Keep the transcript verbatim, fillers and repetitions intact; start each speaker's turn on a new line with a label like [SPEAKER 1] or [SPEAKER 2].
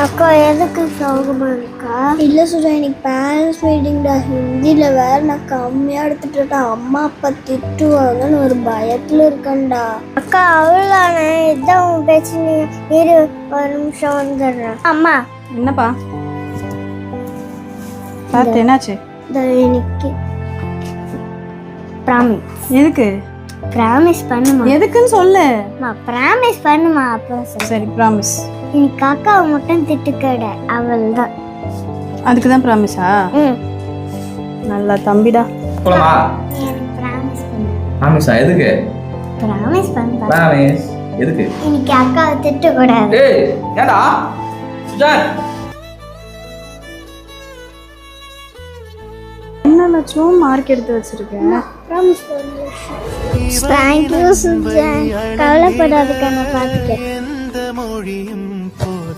[SPEAKER 1] அக்கா எதுக்கு சோகமா இருக்கா? இல்லை சுஜா, இன்னைக்கு பேரண்ட்ஸ் மீட்டிங்டா. ஹிந்தியில் வேற நான் கம்மியாக எடுத்துட்டு இருக்கேன். அம்மா அப்பா திட்டுவாங்கன்னு ஒரு பயத்தில் இருக்கேன்டா. அக்கா அவ்வளோதானே, இதுதான் உன் பிரச்சனை. இரு ஒரு நிமிஷம் வந்துடுறேன். அம்மா.
[SPEAKER 2] என்னப்பா பார்த்து என்னாச்சு?
[SPEAKER 1] எனக்கு ப்ராமிஸ்.
[SPEAKER 2] எதுக்கு
[SPEAKER 1] ப்ராமிஸ் பண்ணுமா?
[SPEAKER 2] எதுக்குன்னு சொல்லு.
[SPEAKER 1] ப்ராமிஸ் பண்ணுமா? அப்போ
[SPEAKER 2] சரி ப்ராமிஸ்.
[SPEAKER 1] இன்னைக்கு அக்காவை மட்டும் திட்டுக்கட, அவள் தான்.
[SPEAKER 2] அதுக்கு தான் ப்ராமிஸா?
[SPEAKER 1] ம்.
[SPEAKER 2] நல்லா தம்பிடா.
[SPEAKER 3] போலாமா?
[SPEAKER 1] எனக்கு ப்ராமிஸ் பண்ணு.
[SPEAKER 3] ப்ராமிஸா? எதுக்கு?
[SPEAKER 1] ப்ராமிஸ் பண்ணு.
[SPEAKER 3] ப்ராமிஸ் எதுக்கு?
[SPEAKER 1] இன்னைக்கு அக்காவை திட்டக்கூடாது.
[SPEAKER 3] ஏய் ஏண்டா சுஜான்?
[SPEAKER 2] என்ன லட்சம் மார்க் எடுத்து வச்சிருக்கேன்.
[SPEAKER 1] ப்ராமிஸ் பண்ணு. தேங்க்யூ சுஜான். கவலைப்படாதுக்கா, நான் பார்த்துக்கிறேன்.